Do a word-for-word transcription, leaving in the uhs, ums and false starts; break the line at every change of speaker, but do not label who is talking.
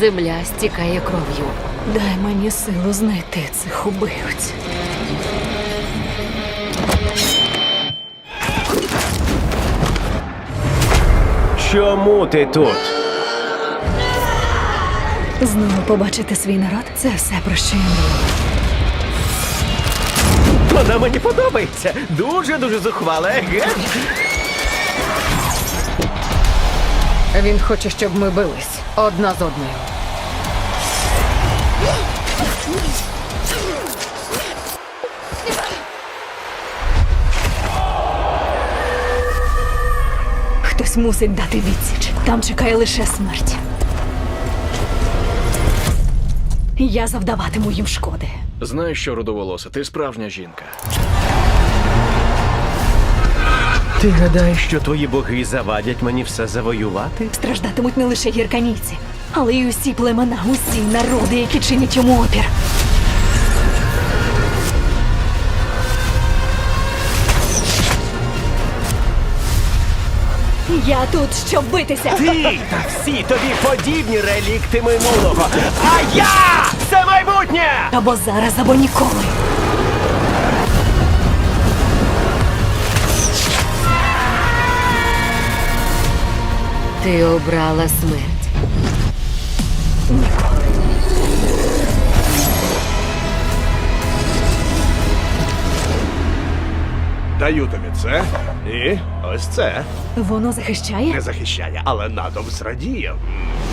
Земля стікає кров'ю.
Дай мені силу знайти цих убивць.
Чому ти тут?
Знову побачити свій народ – це все, про що я мрію.
Вона мені подобається. Дуже-дуже зухвала, еге?
Він хоче, щоб ми бились одна з одною.
Хтось мусить дати відсіч. Там чекає лише смерть. Я завдаватиму їм шкоди.
Знаєш що, рудоволоса, ти справжня жінка.
Ти гадаєш, що твої боги завадять мені все завоювати?
Страждатимуть не лише гірканійці, але й усі племена, усі народи, які чинять йому опір. Я тут, щоб битися.
Ти та всі тобі подібні релікти минулого. А я – це майбутнє!
Або зараз, або ніколи.
Ти обрала смерть.
Ніколи.
Даю тобі це і ось це.
Воно захищає?
Не захищає, але натовп зрадіє.